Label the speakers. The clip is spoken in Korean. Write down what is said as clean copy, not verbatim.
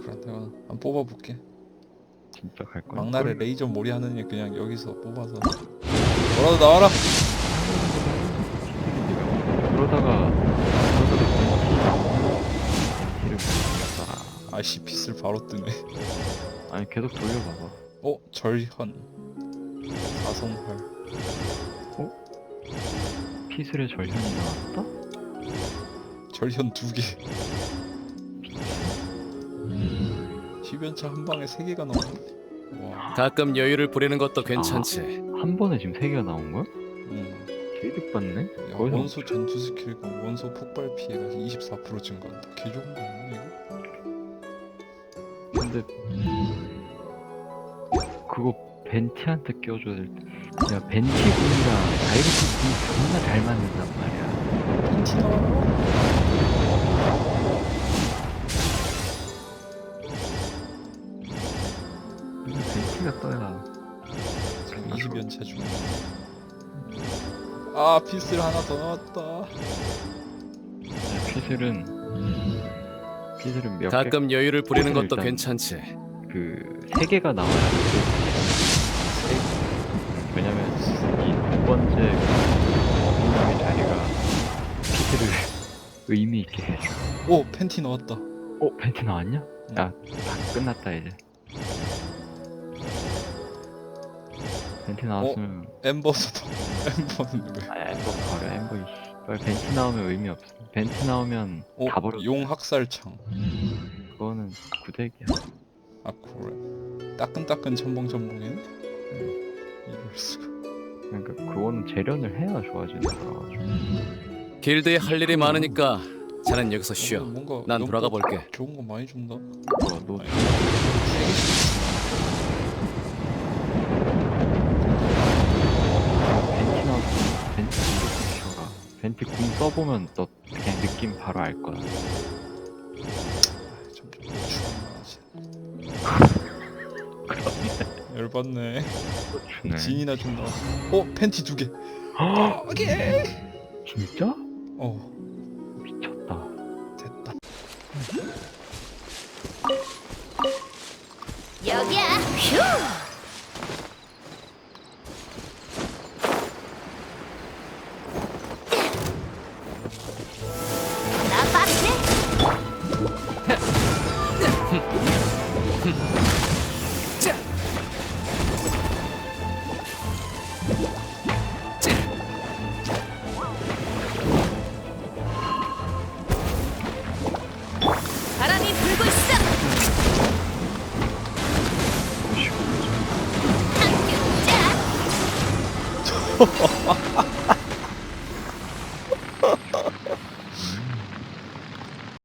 Speaker 1: 그럼 내가 한번 뽑아볼게.
Speaker 2: 진짜 갈 거야?
Speaker 1: 막날에 레이저 몰이 하느니 그냥 여기서 뽑아서 뭐라도 나와라.
Speaker 2: 그러다가 벤티를 못
Speaker 1: 아이씨 핏을 바로 뜨네.
Speaker 2: 아니 계속 돌려봐봐.
Speaker 1: 절현 사성활.
Speaker 2: 피슬의 절현이 나왔다?
Speaker 1: 절현 2개. 10연차 한 방에 3개가 나오네. 와.
Speaker 3: 가끔 여유를 부리는 것도 괜찮지.
Speaker 2: 한 번에 지금 3개가 나온 거야?
Speaker 1: 응.
Speaker 2: 개득 받네?
Speaker 1: 야,
Speaker 2: 거기서
Speaker 1: 원소 전투 스킬과 원소 폭발 피해가 24% 증가한다. 개 좋은 거 아니야 이거?
Speaker 2: 근데 그거 벤티한테 껴줘야 될 때. 야 벤티 군이랑 다이렉트 군이 존나 잘 맞는단 말이야.
Speaker 1: 팬티 나와라.
Speaker 2: 벤티가 떠야.
Speaker 1: 지금 20연차 중. 아 피스를 하나 더 나왔다.
Speaker 2: 피슬은 몇 개?
Speaker 3: 가끔 여유를 부리는
Speaker 2: 피슬은
Speaker 3: 것도
Speaker 2: 일단
Speaker 3: 괜찮지.
Speaker 2: 그 3개가 나와야 돼. 왜냐면 이 두 번째 공룡의 자리가 피트를 의미 있게 해줘.
Speaker 1: 오 팬티 나왔다.
Speaker 2: 벤티 나왔냐?
Speaker 1: 응.
Speaker 2: 야, 다 끝났다 이제. 벤티 나왔으면
Speaker 1: 엠버서도. 엠버는 왜?
Speaker 2: 엠버 버려. 엠버 이씨. 빨리 벤티 나오면 의미 없어. 벤티 나오면 다 버려.
Speaker 1: 용 학살창.
Speaker 2: 그거는 구대기야.
Speaker 1: 아 그래. 따끈따끈 첨벙첨벙이네. 이럴 수가.
Speaker 2: 그러니까 그거는 재련을 해야 좋아지는 거라가지고.
Speaker 3: 길드에 할 일이 많으니까 자넨 여기서 쉬어.
Speaker 1: 뭔가
Speaker 3: 난 돌아가 볼게.
Speaker 1: 좋은 거 많이 준다.
Speaker 2: 너
Speaker 1: 아니, 세게
Speaker 2: 벤티 나왔으면 벤티 궁도 키워라. 벤티 궁 써보면 너 그냥 느낌 바로 알 거야.
Speaker 1: 좀 열받네.
Speaker 2: 주네.
Speaker 1: 진이나 좀 나와. 팬티 2개. 오케이.
Speaker 2: 진짜?
Speaker 1: 어
Speaker 2: 미쳤다.
Speaker 1: 됐다.
Speaker 4: 여기야. 휴. 나 봤지? 바람이 불고 있어. 함께 웃자.